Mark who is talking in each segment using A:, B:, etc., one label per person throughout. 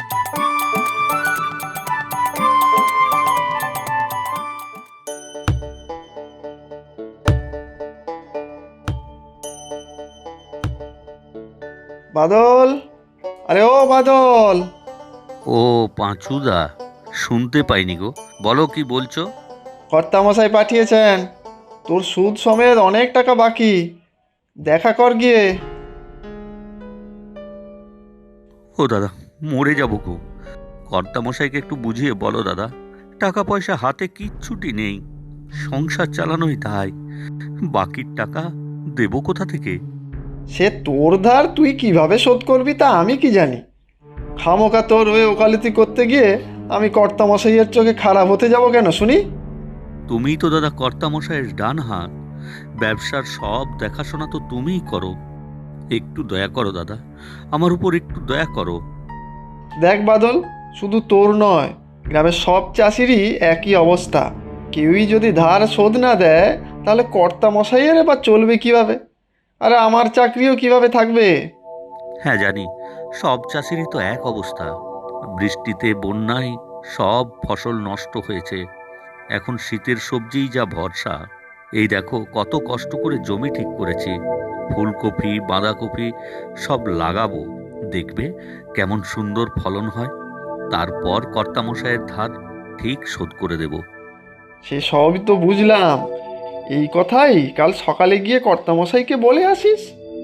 A: বাদল, আরে ও বাদল।
B: ও পাঁচুদা, শুনতে পাইনি গো, বলো কি বলছো?
A: কর্তামশাই পাঠিয়েছেন, তোর সুদ সমেত অনেক টাকা বাকি, দেখা কর গিয়ে।
B: ও দাদা, মরে যাবো গো। কর্তামশাইকে একটু বুঝিয়ে বলো দাদা, টাকা পয়সা হাতে কিচ্ছুটি নেই, সংসার চালানোই তাই, বাকির টাকা দেবো কোথা থেকে?
A: সে তোর ধার তুই কিভাবে শোধ করবি তা আমি কি জানি। খামোকা তোর হয়ে ওকালতি করতে গিয়ে আমি কর্তামশাইয়ের চোখে খারাপ হতে যাব কেন শুনি?
B: তুমিই তো দাদা কর্তামশাইয়ের ডান হাত, ব্যবসার সব দেখাশোনা তো তুমিই করো। একটু দয়া করো দাদা, আমার উপর একটু দয়া করো।
A: দেখ বাদল, শুধু তোর নয়, গ্রামের সব চাষিরই একই অবস্থা। কেউই যদি ধার শোধ না দেয় তাহলে কর্তামশাইয়ের এবার চলবে কিভাবে? আরে আমার চাকরিও কিভাবে থাকবে?
B: হ্যাঁ জানি, সব চাষিরই তো এক অবস্থা। বৃষ্টিতে বন্যায় সব ফসল নষ্ট হয়েছে। এখন শীতের সবজিই যা ভরসা। এই দেখো কত কষ্ট করে জমি ঠিক করেছি, ফুলকপি বাঁধাকপি সব লাগাবো, দেখবে কেমন সুন্দর ফলন হয়। তারপর কর্তামশায়ের ধার ঠিক শোধ করে দেব।
A: সে সবই তো বুঝলাম, এই কথাই কাল সকালে গিয়ে কর্তামশাইকে বলে আসিস।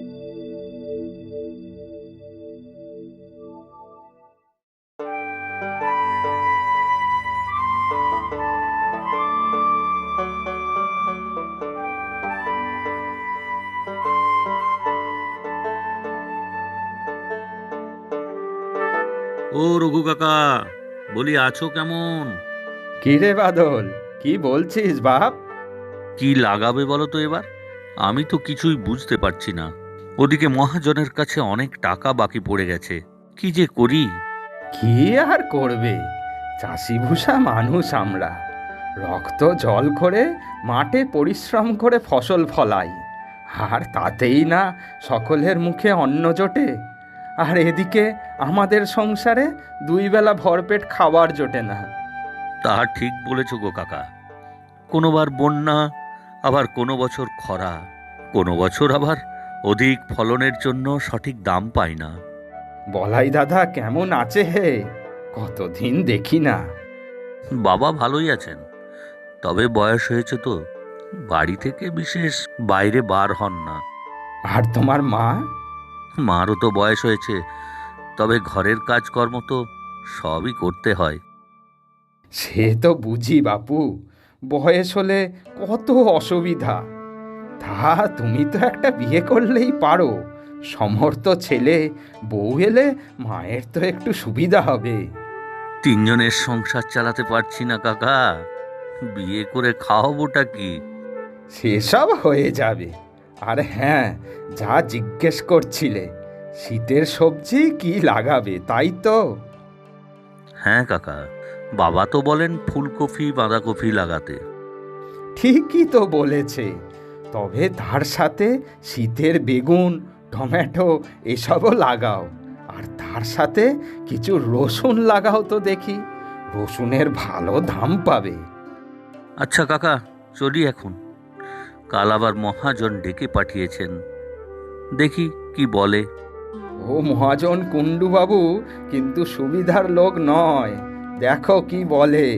B: ও রঘু কাকা, বলি আছো কেমন?
C: কি রে বাদল, কি বলছিস বাপ?
B: কি লাগাবে বলো তো এবার? আমি তো কিছুই বুঝতে পারছি না। ওদিকে মহাজনের কাছে অনেক টাকা বাকি পড়ে গেছে, কি যে করি।
C: কি আর করবে, চাষিভূষা মানুষ আমরা, রক্ত জল করে মাঠে পরিশ্রম করে ফসল ফলাই, আর তাতেই না সকলের মুখে অন্ন জোটে। আর এদিকে আমাদের সংসারে দুই বেলা ভরপেট খাবার জোটে না।
B: তা ঠিক বলেছ গো কাকা। কোনোবার বন্যা, আবার কোনো বছর খরা, কোনো বছর আবার অধিক ফলনের জন্য সঠিক দাম পাই না।
C: বলাই দাদা কেমন আছে হে? কতদিন দেখি না।
B: বাবা ভালোই আছেন, তবে বয়স হয়েছে তো, বাড়ি থেকে বিশেষ বাইরে বার হন না।
C: আর তোমার মা?
B: মারও তো বয়স হয়েছে, তবে ঘরের কাজকর্ম তো সবই করতে হয়।
C: সে তো বুঝি বাপু, বয়স হলে কত অসুবিধা। তা তুমি তো একটা বিয়ে করলেই পারো, সমর্থ ছেলে বউ এলে মায়ের তো একটু সুবিধা হবে।
B: তিনজনের সংসার চালাতে পারছি না কাকা, বিয়ে করে খাওয়াবোটা কি?
C: সেসব হয়ে যাবে। আর হ্যাঁ, যা জিজ্ঞেস করছিলে, শীতের সবজি কি লাগাবে তাই তো?
B: হ্যাঁ কাকা, বাবা তো বলেন ফুলকপি বাঁধাকপি লাগাতে।
C: ঠিকই তো বলেছে, তবে তার সাথে শীতের বেগুন টমেটো এসবও লাগাও। আর তার সাথে কিছু রসুন লাগাও তো দেখি, রসুনের ভালো দাম পাবে।
B: আচ্ছা কাকা, চলি এখন। কাল আবার মহাজন ডেকে পাঠিয়েছেন, দেখি কি বলে।
C: ও মহাজন কুণ্ডু বাবু কিন্তু সুবিধার লোক নয়, দেখো কি বলে।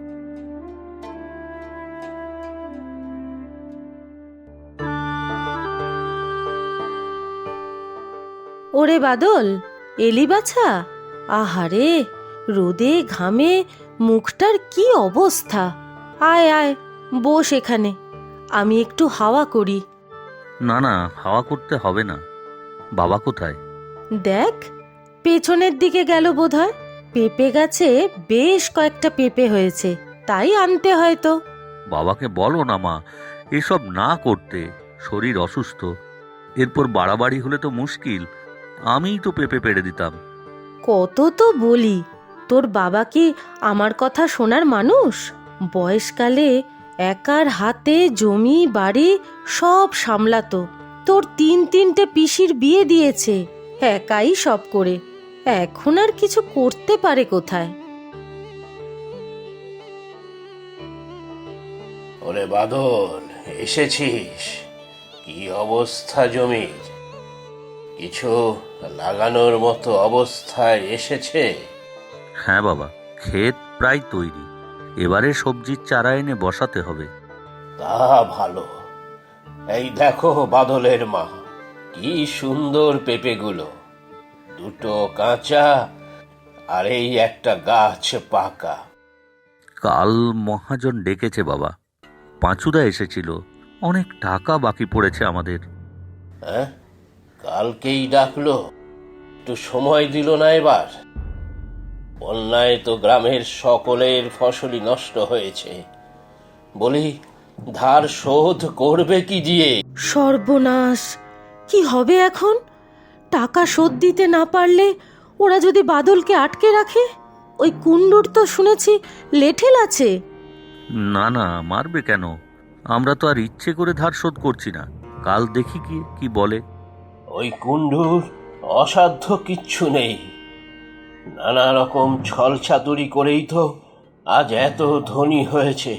D: ওরে বাদল, এলি বাছা? আহারে, রোদে ঘামে মুখটার কি অবস্থা! আয় আয়, বস এখানে, আমি একটু হাওয়া করি।
B: না না, হাওয়া করতে হবে না। বাবা কোথায়?
D: দেখ, পেছনের দিকে গেল বোধহয়। পেঁপে গাছে বেশ কয়েকটা পেঁপে হয়েছে, তাই আনতে হয়তো।
B: বাবাকে বলো না মা, এসব না করতে, শরীর অসুস্থ। এরপর বাড়াবাড়ি হলে তো মুশকিল, আমিই তো পেঁপে পেড়ে দিতাম।
D: কত তো বলি, তোর বাবা কি আমার কথা শোনার মানুষ? বয়সকালে একার হাতে জমি বাড়ি সব সামলাতো। তোর তিনটে পিসির বিয়ে দিয়েছে, একাই সব করে। এখন আর কিছু করতে পারে কোথায়?
E: ওরে বাদল, এসেছিস? কি অবস্থা জমির? কিছু লাগানোর মতো অবস্থায় এসেছে?
B: হ্যাঁ বাবা, ক্ষেত প্রায় তৈরি। এবারে সবজির চারা এনে বসাতে হবে।
E: তা ভালো। এই দেখো বাদলের মা, কি সুন্দর পেঁপেগুলো, দুটো কাঁচা আর এই একটা গাছ পাকা।
B: কাল মহাজন ডেকেছে বাবা, পাঁচুদা এসেছিল, অনেক টাকা বাকি পড়েছে আমাদের।
E: হ্যাঁ, কালকেই ডাকলো, একটু সময় দিল না এবার? বন্যায় তো গ্রামের সকলের ফসলই নষ্ট হয়েছে। বলি, ধার শোধ করবে কি দিয়ে?
D: সর্বনাশ! কি হবে এখন? টাকা শোধ দিতে না পারলে ওরা যদি বাদলকে আটকে রাখে? ওই কুণ্ডুর তো শুনেছি লেঠেল আছে।
B: না না, মারবে কেন? আমরা তো আর ইচ্ছে করে ধার শোধ করছি না। কাল দেখি কি বলে।
E: ওই কুণ্ডুর অসাধ্য কিচ্ছু নেই। নানা রকম ছল চাতুরি করেই তো আজ এত ধনী হয়েছে।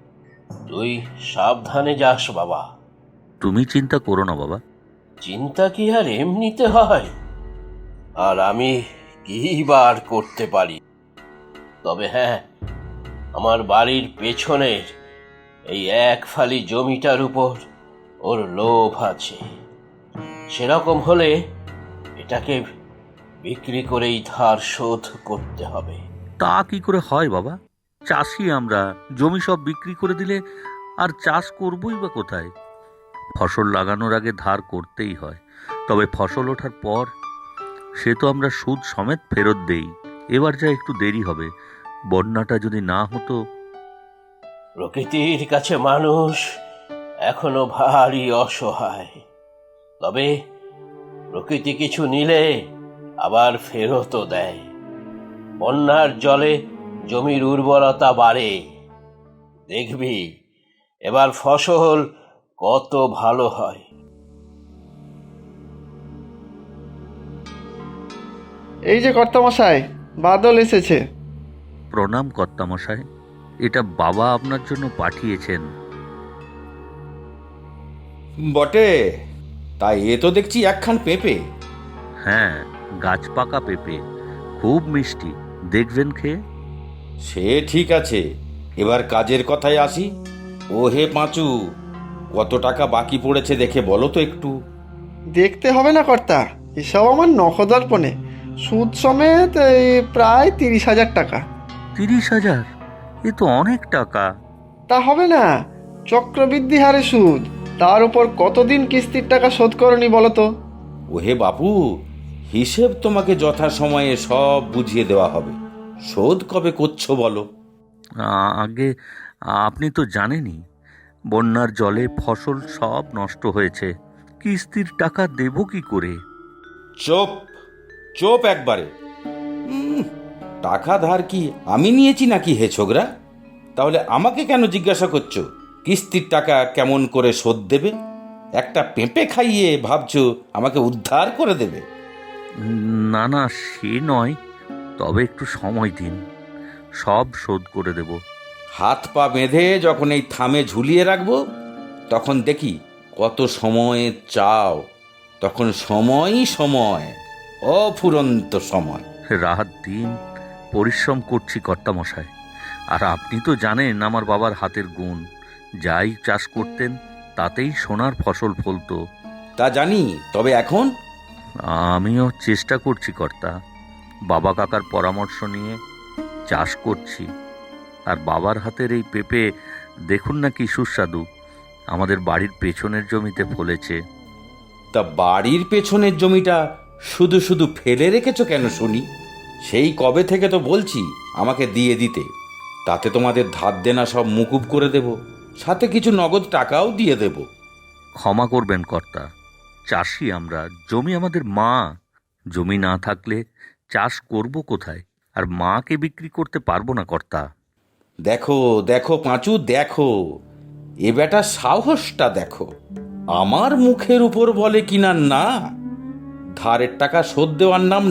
E: তুই সাবধানে যাস বাবা।
B: তুমি চিন্তা করো না বাবা।
E: চিন্তা কি আর এমনিতে হয়? আর আমি কি বার করতে পারি? তবে হ্যাঁ, আমার বাড়ির পেছনের এই এক ফালি জমিটার উপর ওর লোভ আছে। সেরকম হলে এটাকে বিক্রি করেই ধার শোধ করতে হবে।
B: তা কি করে হয় বাবা? চাষি আমরা, জমি সব বিক্রি করে দিলে আর চাষ করবই বা কোথায়? ফসল লাগানোর আগে ধার করতেই হয়, তবে ফসল ওঠার পর সে তো আমরা সুদ সমেত ফেরত দেই। এবার যা একটু দেরি হবে। বন্যাটা যদি না হতো।
E: প্রকৃতির কাছে মানুষ এখনো ভারী অসহায়। তবে প্রকৃতি কিছু নিলে আবার ফেরতও দেয়। বন্যার জলে জমির উর্বরতা বাড়ে। দেখবি এবার ফসল কত ভালো হয়।
A: এই যে কর্তামশাই, বাদল এসেছে।
B: প্রণাম কর্তামশাই, এটা বাবা আপনার জন্য পাঠিয়েছেন।
F: বটে, তাই এ তো দেখছি একখান পেঁপে।
B: হ্যাঁ, গাছ পাকা পেঁপে, খুব মিষ্টি, দেখবেন খেয়ে।
F: সে ঠিক আছে, এবার কাজের কথায় আসি। ও হে পাঁচু, কত টাকা বাকি পড়েছে দেখে বলো তো একটু।
A: দেখতে হবে না কর্তা, এসব আমার নখদর্পণে। সুদ সমেত এই প্রায় 30,000 টাকা।
B: 30,000? এ তো অনেক টাকা।
A: তা হবে না? চক্রবৃদ্ধি হারে সুদ, তার উপর কতদিন কিস্তির টাকা শোধ করনি বলো তো?
F: ও হে বাপু, হিসেব তোমাকে যথাসময়ে সব বুঝিয়ে দেওয়া হবে। শোধ কবে করছো বলো?
B: আগে আপনি তো জানেনই, বন্যার জলে ফসল সব নষ্ট হয়েছে। কিস্তির টাকা দেব কি করে?
F: চোপ চোপ একবারে। টাকা ধার কি আমি নিয়েছি নাকি হে ছোকরা? তাহলে আমাকে কেন জিজ্ঞাসা করছো কিস্তির টাকা কেমন করে শোধ দেবে? একটা পেঁপে খাইয়ে ভাবছো আমাকে উদ্ধার করে দেবে?
B: না না, সে নয়, তবে একটু সময় দিন, সব শোধ করে দেব।
F: হাত পা বেঁধে যখন এই থামে ঝুলিয়ে রাখবো, তখন দেখি কত সময় চাও। তখন সময়ই সময়, অফুরন্ত সময়।
B: রাত দিন পরিশ্রম করছি কর্তামশাই, আর আপনি তো জানেন আমার বাবার হাতের গুণ। যাই চাষ করতেন তাতেই সোনার ফসল ফলতো।
F: তা জানি, তবে এখন
B: আমিও চেষ্টা করছি কর্তা, বাবা কাকার পরামর্শ নিয়ে চাষ করছি। আর বাবার হাতের এই পেঁপে দেখুন না কি সুস্বাদু, আমাদের বাড়ির পেছনের জমিতে ফলেছে।
F: তা বাড়ির পেছনের জমিটা শুধু শুধু ফেলে রেখেছো কেন শুনি? সেই কবে থেকে তো বলছি আমাকে দিয়ে দিতে, তাতে তোমাদের ধার দেনা সব মুকুব করে দেব, সাথে কিছু নগদ টাকাও দিয়ে দেব।
B: ক্ষমা করবেন কর্তা, চাষি আমরা, জমি আমাদের মা। জমি না থাকলে চাষ করব কোথায়? আর মাকে বিক্রি করতে পারবো না কর্তা।
F: দেখো দেখো পাঁচু, দেখো এ বেটা সাহসটা দেখো। আমার মুখের উপর বলে কিনা না, ধারের টাকা শোধ দেওয়ার নাম নেই,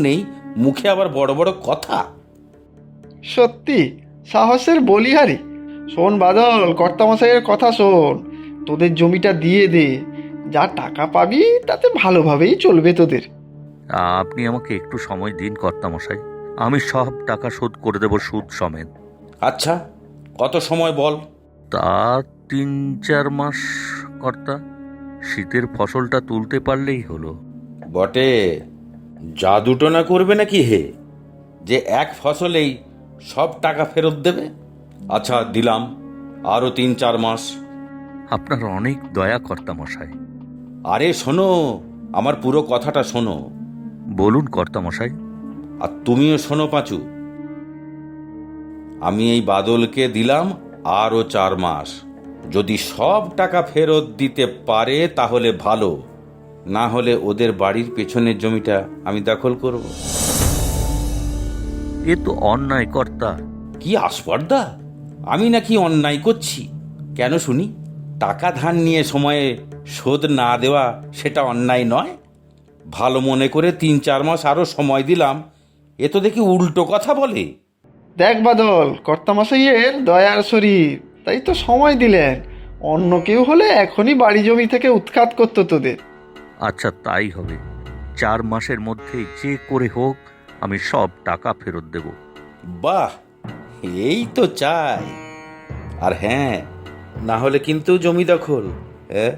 F: মুখে আবার বড় বড় কথা।
A: সত্যি সাহসের বলিহারি। শোন বাদল, কর্তামশাইয়ের কথা শোন, তোদের জমিটা দিয়ে দে, যা টাকা পাবি তাতে ভালোভাবেই চলবে তোদের।
B: আপনি আমাকে একটু সময় দিন কর্তামশাই, আমি সব টাকা শোধ করে দেব সুদ সমেত।
F: আচ্ছা, কত সময় বল?
B: তা 3-4 মাস কর্তা, শীতের ফসলটা তুলতে পারলেই হলো।
F: বটে, জাদুটো না করবে নাকি হে, যে এক ফসলেই সব টাকা ফেরত দেবে? আচ্ছা, দিলাম আরও 3-4 মাস।
B: আপনার অনেক দয়া কর্তামশাই।
F: আরে শোনো, আমার পুরো কথাটা শোনো।
B: বলুন কর্তামশাই।
F: আর তুমিও শোনো পাঁচু, আমি এই বাদলকে দিলাম আরও 4 মাস। যদি সব টাকা ফেরত দিতে পারে তাহলে ভালো, না হলে ওদের বাড়ির পেছনের জমিটা আমি দখল করব।
B: এ তো অন্যায় কর্তা।
F: কি আস্পর্ধা! আমি নাকি অন্যায় করছি? কেন শুনি? টাকা ধার নিয়ে সময়ে শোধ না দেওয়া সেটা অন্যায় নয়? ভালো মনে করে 3-4 মাস আরও সময় দিলাম, এ তো দেখি উল্টো কথা বলে।
A: দেখ বাদল, কর্তামশাইয়ের দয়ার শরীর, তাই তো সময় দিলেন। অন্য কেউ হলে এখনই বাড়ি জমি থেকে উৎখাত করতো তোদের।
B: আচ্ছা তাই হবে, 4 মাসের মধ্যে যে করে হোক আমি সব টাকা ফেরত দেব।
F: বাহ, এই তো চাই। আর হ্যাঁ, না হলে কিন্তু জমি দখল। হ্যাঁ?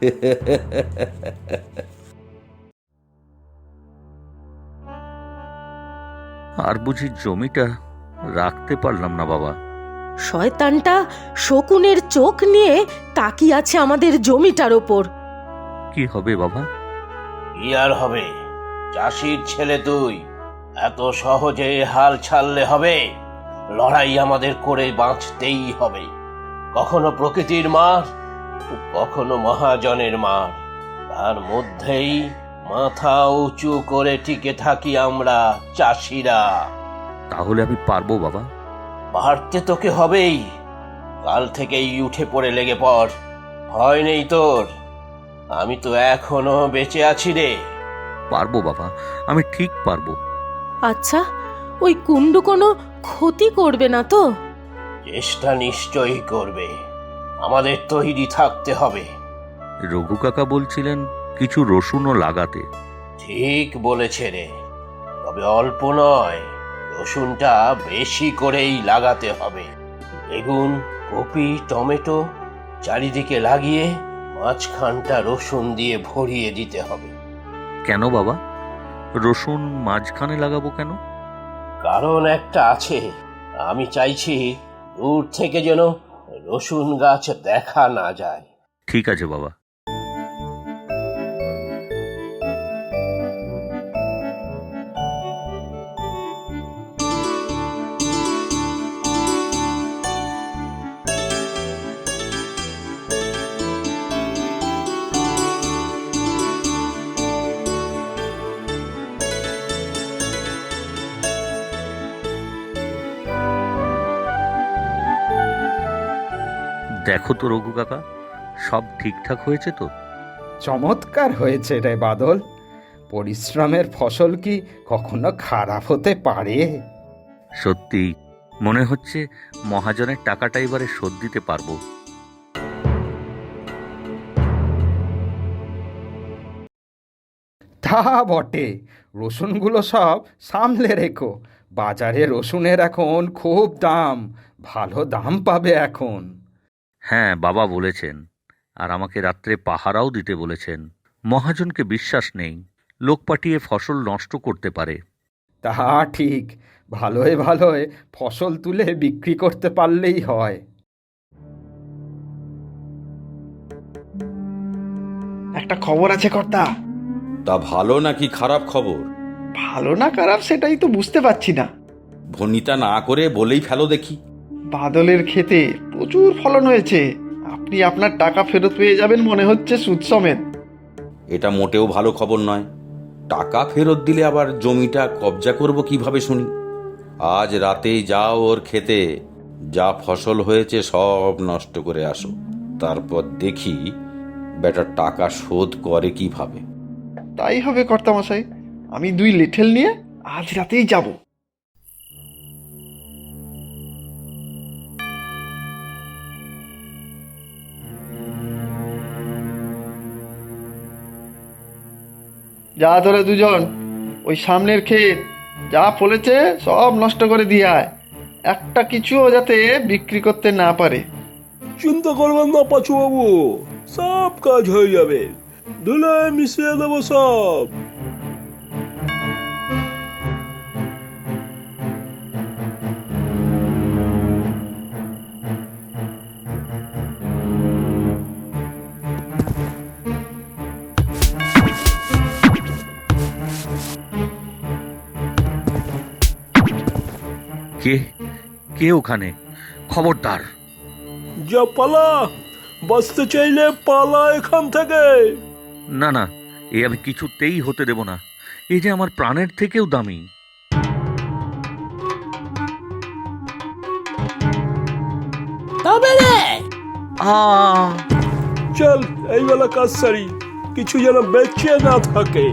B: আর বুঝি জমিটা রাখতে পারলাম না বাবা?
D: শয়তানটা শকুনের চোখ নিয়ে তাকিয়ে আছে আমাদের জমিটার ওপর।
B: কি হবে বাবা?
E: কি আর হবে? চাষির ছেলে তুই, এত সহজে হাল ছাড়লে হবে? লড়াই আমাদের করে বাঁচতেই হবে। কখনো প্রকৃতির মার, কখনো মহাজনের মার, তার মধ্যেই মাথা উঁচু করে টিকে থাকি আমরা চাষিরা।
B: তাহলে আমি পারবো বাবা?
E: পারতে তোকে হবেই। কাল থেকেই উঠে পড়ে লেগে পড়, ভয় নেই তোর। আমি তো এখনো বেঁচে আছি রে।
B: পারবো বাবা, আমি ঠিক পারবো।
D: আচ্ছা, ওই কুণ্ডু কোনো ক্ষতি করবে না তো?
E: চেষ্টা নিশ্চয়ই করবে, আমাদের তৈরি থাকতে হবে।
B: রঘু কাকা বলছিলেন কিছু রসুনও লাগাতে।
E: ঠিক বলেছে রে, তবে অল্প নয়, রসুনটা বেশি করেই লাগাতে হবে। বেগুন, কপি, টমেটো চারিদিকে লাগিয়ে মাঝখানটা রসুন দিয়ে ভরিয়ে দিতে হবে।
B: কেন বাবা, রসুন মাঝখানে লাগাবো কেন?
E: কারণ একটা আছে, আমি চাইছি দূর থেকে যেন রসুন গাছ দেখা না যায়।
B: ঠিক আছে বাবা। দেখো তো রঘু কাকা, সব ঠিকঠাক হয়েছে তো?
C: চমৎকার হয়েছে রে বাদল। পরিশ্রমের ফসল কি কখনো খারাপ হতে পারে?
B: সত্যি মনে হচ্ছে মহাজনের টাকাটা এবারে শোধ দিতে পারবো।
C: তা বটে, রসুনগুলো সব সামলে রেখো। বাজারে রসুনের এখন খুব দাম, ভালো দাম পাবে এখন।
B: হ্যাঁ বাবা বলেছেন, আর আমাকে রাত্রে পাহারাও দিতে বলেছেন। মহাজনকে বিশ্বাস নেই, লোক পাঠিয়ে ফসল নষ্ট করতে পারে।
C: তা ঠিক, ভালোয় ভালোয় ফসল তুলে বিক্রি করতে পারলেই হয়।
A: একটা খবর আছে কর্তা।
F: তা ভালো নাকি খারাপ খবর?
A: ভালো না খারাপ সেটাই তো বুঝতে পারছি না।
F: ভনিতা না করে বলেই ফেলো দেখি।
A: বাদলের ক্ষেতে প্রচুর ফলন হয়েছে, আপনি আপনার টাকা ফেরত পেয়ে যাবেন মনে হচ্ছে সুদ সমেত।
F: এটা মোটেও ভালো খবর নয়। টাকা ফেরত দিলে আবার জমিটা কবজা করব কিভাবে শুনি? আজ রাতেই যাও ওর ক্ষেতে, যা ফসল হয়েছে সব নষ্ট করে আসো, তারপর দেখি বেটার টাকা শোধ করে কিভাবে।
A: তাই হবে কর্তামশাই, আমি 2 লিঠেল নিয়ে আজ রাতেই যাব। যা তোরা দুজন, ওই সামনের ক্ষেত যা ফলেছে সব নষ্ট করে দিয়ে আয়, একটা কিছুও যাতে বিক্রি করতে না পারে।
G: চিন্তা করবেন না পাঁচু বাবু, সব কাজ হয়ে যাবে, ধুলায় মিশিয়ে দেবো সব।
B: কে কে ওখানে? খবরদার!
G: যা পালা, বাঁচতে চাইলে পালা এখান থেকে।
B: না না, এ আমি কিছুতেই হতে দেব না। এই যে আমার প্রাণের থেকেও দামি।
E: তবে রে,
B: আ
G: চল এই বেলা কাজ সারি, কিছু যেন বেঁচে না থাকে।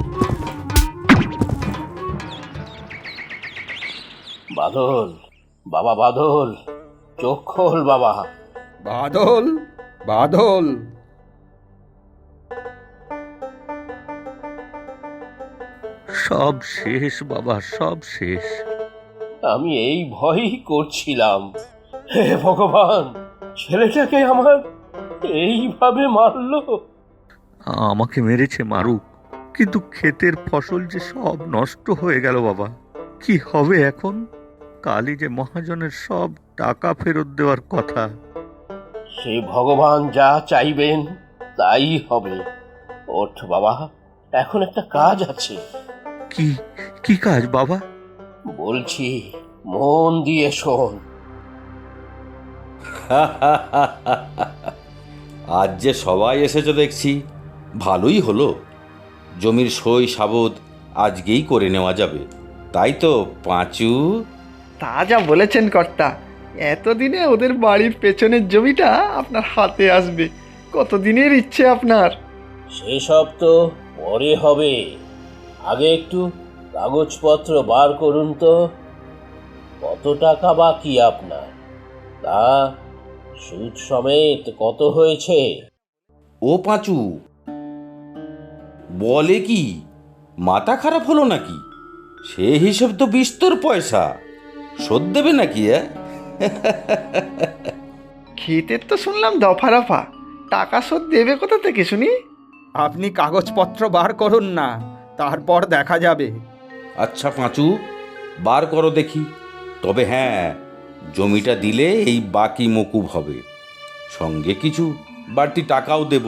E: বাদল, বাবা বাদল, চোখ খোল বাবা।
C: বাদল, বাদল,
B: সব শেষ বাবা, সব শেষ।
E: আমি এই ভয়ই করছিলাম, হে ভগবান, ছেলেটাকে আমার এইভাবে মারলো।
B: আমাকে মেরেছে মারুক, কিন্তু ক্ষেতের ফসল যে সব নষ্ট হয়ে গেল বাবা। কি হবে এখন? কালই যে মহাজনের সব টাকা ফেরত দেওয়ার কথা।
E: সে ভগবান যা চাইবেন তাই হবে। ওঠ বাবা, এখন একটা কাজ আছে।
B: কি কি কাজ বাবা?
E: বলছি, মন দিয়ে শোন।
F: আজ যে সবাই এসেছে দেখছি, ভালোই হলো। জমির সই সাবদ আজকেই করে নেওয়া যাবে, তাই তো পাঁচু?
A: তা যা বলেছেন কর্তা, এতদিনে ওদের বাড়ির পেছনের জমিটা আপনার হাতে আসবে। কতদিনের ইচ্ছে আপনার।
E: সেসব তো পরে হবে, আগে একটু কাগজপত্র বার করুন তো। কত টাকা বাকি আপনার? তা সুদ সমেত কত হয়েছে?
F: ও পাঁচু, বলে কি, মাথা খারাপ হলো নাকি? সে হিসেব তো বিস্তর পয়সা, শোধ দেবে নাকি?
A: ক্ষেতের তো শুনলাম দফা রফা, টাকা শোধ দেবে কোথা থেকে শুনি?
C: আপনি কাগজপত্র বার করুন না, তারপর দেখা যাবে।
F: আচ্ছা পাঁচু, বার করো দেখি। তবে হ্যাঁ, জমিটা দিলে এই বাকি মকুব হবে, সঙ্গে কিছু বাড়তি টাকাও দেব।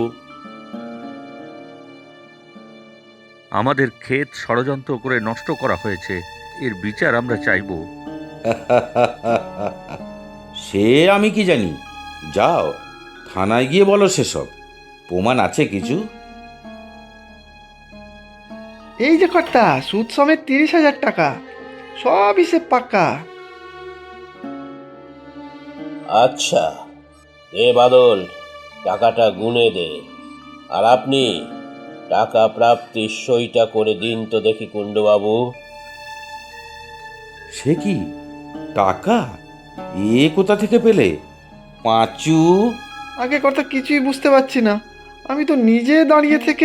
B: আমাদের ক্ষেত ষড়যন্ত্র করে নষ্ট করা হয়েছে, এর বিচার আমরা চাইব।
F: সে আমি কি জানি, যাও থানায় গিয়ে বলো সেসব। প্রমাণ আছে কিছু?
A: এই যে কর্তা, সুদ সমেত 30,000 টাকা, সব হিসেব পাক্কা।
E: আচ্ছা, এ বাদল, টাকাটা গুনে দে। আর আপনি টাকা প্রাপ্তির সইটা করে দিন তো দেখি কুণ্ডবাবু।
F: সে কি টাকা? এ কোথা থেকে পেলে পাঁচু?
A: আগে কর্তা কিছুই বুঝতে পারছি না, আমি তো নিজে দাঁড়িয়ে থেকে।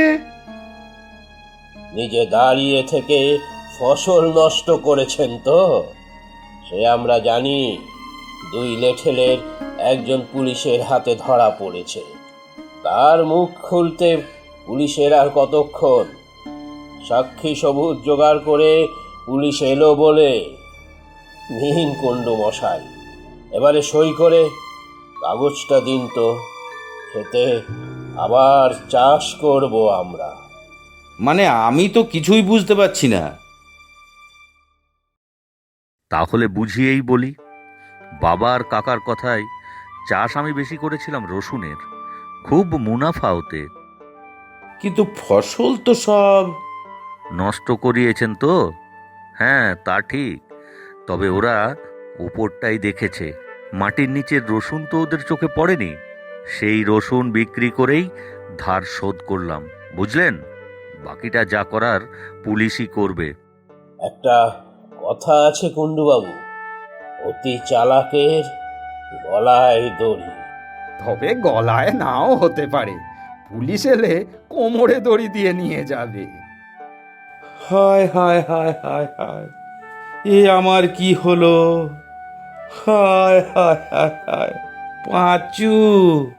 E: নিজে দাঁড়িয়ে থেকে ফসল নষ্ট করেছেন তো? সে আমরা জানি। 2 লেঠেলের একজন পুলিশের হাতে ধরা পড়েছে। তার মুখ খুলতে পুলিশের আর কতক্ষণ? সাক্ষী সবুত জোগাড় করে পুলিশ এলো বলে। নিন কুণ্ডু মশাই, এবারে সই করে কাগজটা দিন তো। খেতে আবার চাষ করব আমরা।
F: মানে আমি তো কিছুই বুঝতে পারছি না।
B: তাহলে বুঝিয়েই বলি, বাবা আর কাকার কথায় চাষ আমি বেশি করেছিলাম রসুনের, খুব মুনাফা ওতে।
F: কিন্তু ফসল তো সব
B: নষ্ট করিয়েছেন তো? হ্যাঁ, তা ঠিক। তবে ওরা উপরটাই দেখেছে, মাটির নিচের রসুন তো ওদের চোখে পড়েনি। সেই রসুন বিক্রি করেই ধার শোধ করলাম, বুঝলেন? বাকিটা যা করার পুলিশই করবে।
E: একটা কথা আছে কুণ্ডুবাবু, অতি চালাকের গলায় দড়ি।
C: তবে গলায় নাও হতে পারে, পুলিশ এলে কোমরে দড়ি দিয়ে নিয়ে যাবে।
F: হায় হায় হায় হায় হায়, এ আমার কি হলো? হায় হায় হায় হায়, পাঁচু